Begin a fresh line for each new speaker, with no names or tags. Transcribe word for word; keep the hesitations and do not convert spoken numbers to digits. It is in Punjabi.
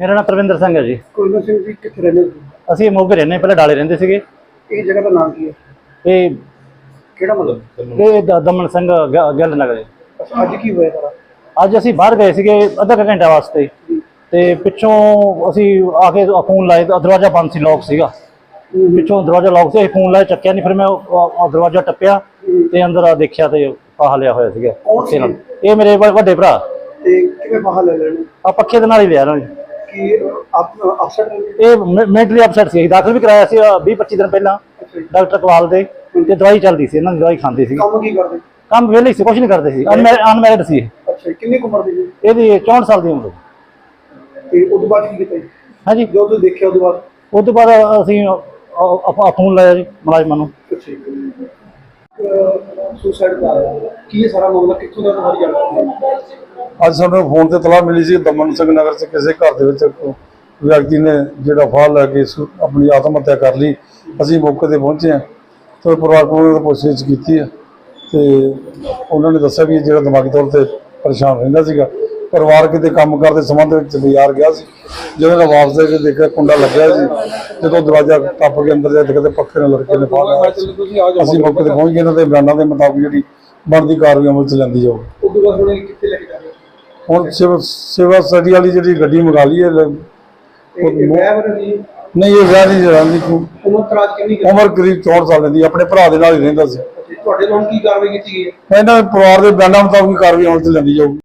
मेरा नाम तरविंदर सिंह है जी।
कुलवंत सिंह जी कितने रहने हो?
ਅਸੀਂ ਮੋਗੇ ਰਹਿੰਦੇ ਪਹਿਲਾਂ ਡਾਲੇ ਰਹਿੰਦੇ ਸੀਗੇ।
ਇਹ ਜਗ੍ਹਾ ਦਾ ਨਾਮ ਕੀ ਹੈ?
ਇਹ
ਕਿਹੜਾ ਮਤਲਬ?
ਇਹ ਦ- ਦਮਨ ਸਿੰਘ ਗ- ਗਿੱਲ ਨਗਰ।
ਅੱਛਾ, ਅੱਜ ਕੀ ਹੋਇਆ ਸਾਰਾ?
ਅੱਜ ਅਸੀਂ ਬਾਹਰ ਗਏ ਸੀਗੇ ਅੱਧਾ ਕੁ ਘੰਟਾ ਵਾਸਤੇ ਤੇ ਪਿੱਛੋਂ ਅਸੀਂ ਆ ਕੇ ਫੋਨ ਲਾਏ ਤਾਂ ਦਰਵਾਜ਼ਾ ਬੰਦ ਸੀ, ਲੌਕ ਸੀਗਾ। ਪਿੱਛੋਂ ਦਰਵਾਜ਼ਾ ਲੌਕ ਸੀ, ਅਸੀਂ ਫੋਨ ਲਾਇਆ ਚੱਕਿਆ ਨਹੀਂ। ਫਿਰ ਮੈਂ ਉਹ- ਉਹ ਦਰਵਾਜ਼ਾ ਟੱਪਿਆ ਤੇ ਅੰਦਰ ਆ ਦੇਖਿਆ ਤੇ ਫਾਹਾ ਲਿਆ ਹੋਇਆ ਸੀਗਾ।
ਕੌਣ ਸੀ?
ਇਹ ਮੇਰੇ ਵ- ਵੱਡੇ ਭਰਾ।
ਤੇ ਕਿਵੇਂ ਬਾਹਰ ਲੈ ਲੈਣੇ
ਆ ਪੱਖੇ ਦੇ ਨਾਲ ਹੀ ਲਿਆ ਨਾ ਜੀ।
ਕਿ ਆਪ ਅਫਸਰ ਨੇ?
ਇਹ ਮੈਂਟਲੀ ਅਪਸੈਟ ਸੀ। ਦਾਖਲ ਵੀ ਕਰਾਇਆ ਸੀ ਵੀਹ ਪੱਚੀ ਦਿਨ ਪਹਿਲਾਂ
ਅੱਛਾ ਜੀ।
ਡਾਕਟਰ ਕਵਾਲ ਦੇ, ਤੇ ਦਵਾਈ ਚੱਲਦੀ ਸੀ, ਇਹਨਾਂ ਦੀ ਦਵਾਈ ਖਾਂਦੀ ਸੀ।
ਕੰਮ ਕੀ ਕਰਦੇ?
ਕੰਮ ਵਿਹਲੇ ਸੀ, ਕੁਝ ਨਹੀਂ ਕਰਦੇ ਸੀ। ਅਨਮੈਰਿਡ ਸੀ।
ਅੱਛਾ, ਕਿੰਨੀ ਕੁ ਉਮਰ ਦੀ ਜੀ?
ਇਹਦੀ ਚੌਂਹਠ ਸਾਲ ਦੀ ਉਮਰ ਸੀ।
ਤੇ ਉਸ ਤੋਂ ਬਾਅਦ ਕੀ ਕੀਤਾ ਜੀ?
ਹਾਂਜੀ,
ਜੋ ਤੁਸੀਂ ਦੇਖਿਆ ਉਸ ਤੋਂ ਬਾਅਦ?
ਉਸ ਤੋਂ ਬਾਅਦ ਅਸੀਂ ਫੋਨ ਲਾਇਆ ਜੀ ਮੁਲਾਜ਼ਮਾਂ ਨੂੰ।
ਅੱਛਾ ਜੀ। ਸੁਸਾਈਡ ਦਾ ਕੀ ਇਹ ਸਾਰਾ ਮਾਮਲਾ ਕਿੱਥੋਂ ਦਾ ਸਾਰੀ ਜਾਣਕਾਰੀ?
ਅੱਜ ਸਾਨੂੰ ਫੋਨ ਤੇ ਤਲਾਹ ਮਿਲੀ ਸੀ ਦਮਨ ਸਿੰਘ ਨਗਰ 'ਚ ਕਿਸੇ ਘਰ ਦੇ ਵਿੱਚ ਇੱਕ ਵਿਅਕਤੀ ਨੇ ਜਿਹੜਾ ਫਾਹ ਲੈ ਕੇ ਸੁ- ਆਪਣੀ ਆਤਮ ਹੱਤਿਆ ਕਰ ਲਈ। ਅਸੀਂ ਮੌਕੇ ਤੇ ਪਹੁੰਚੇ ਹਾਂ ਤੇ ਪਰਿਵਾਰ ਕੋਲੋਂ ਪੁੱਛਗਿੱਛ ਕੀਤੀ ਹੈ ਤੇ ਉਹਨਾਂ ਨੇ ਦੱਸਿਆ ਵੀ ਇਹ ਜਿਹੜਾ ਦਿਮਾਗੀ ਤੌਰ ਤੇ ਪਰੇਸ਼ਾਨ ਰਹਿੰਦਾ ਸੀਗਾ। ਪਰਿਵਾਰ ਕਿਤੇ ਕੰਮ ਕਰਦੇ ਸੰਬੰਧ ਵਿੱਚ ਬਾਜ਼ਾਰ ਗਿਆ ਸੀ। ਜਦੋਂ ਮੈਂ ਵਾਪਸ ਆ ਕੇ ਦੇਖਿਆ ਕੁੰਡਾ ਲੱਗਿਆ ਸੀ। ਜਦੋਂ ਦਰਵਾਜ਼ਾ ਟੱਪ ਕੇ ਅੰਦਰ ਜਾ ਕੇ ਪੱਖੇ ਨਾਲ ਲੜਕੇ ਨੇ ਫਾਹ ਲਿਆ। ਅਸੀਂ ਮੌਕੇ ਤੇ ਪਹੁੰਚ ਗਏ। ਇਹਨਾਂ ਦੇ ਬਿਆਨਾਂ ਦੇ ਮੁਤਾਬਕ ਜਿਹੜੀ ਬਣਦੀ ਕਾਰਵਾਈ ਅਮਲ 'ਚ ਲੈਂਦੀ ਜਾਊਗੀ।
ਉਸ ਤੋਂ ਬਾਅਦ ਹੁਣ ਇਹ ਕਿੱਥੇ ਲੈ ਕੇ ਜਾ ਰਹੇ ਹੋ?
ਹੁਣ ਸੇਵਾ ਸੇਵਾ ਸਟੱਡੀ ਵਾਲੀ ਜਿਹੜੀ ਗੱਡੀ ਮੰਗਾ ਲਈ ਹੈ।
ਇਹ ਵਿਆਹ ਵਰ ਜੀ?
ਨਹੀਂ, ਇਹ ਵਿਆਹ ਨਹੀਂ ਜਰਾਂਦੀ।
ਉਮਰ ਤਰਾਜ ਕਿੰਨੀ ਕੁ?
ਉਮਰ ਕਰੀਬ ਚੌਂਹਠ ਸਾਲ ਦੀ। ਆਪਣੇ ਭਰਾ ਦੇ ਨਾਲ ਹੀ ਰਹਿੰਦਾ ਸੀ।
ਤੁਹਾਡੇ ਨਾਲ ਕੀ ਕਾਰਵਾਈ ਕੀਤੀ ਗਈ ਹੈ?
ਇਹਨਾਂ ਦੇ ਪਰਿਵਾਰ ਦੇ ਬਿਆਨਾਂ ਮੁਤਾਬਕ ਕਾਰਵਾਈ ਅਮਲ 'ਚ ਲੈਂਦੀ ਜਾਊਗੀ।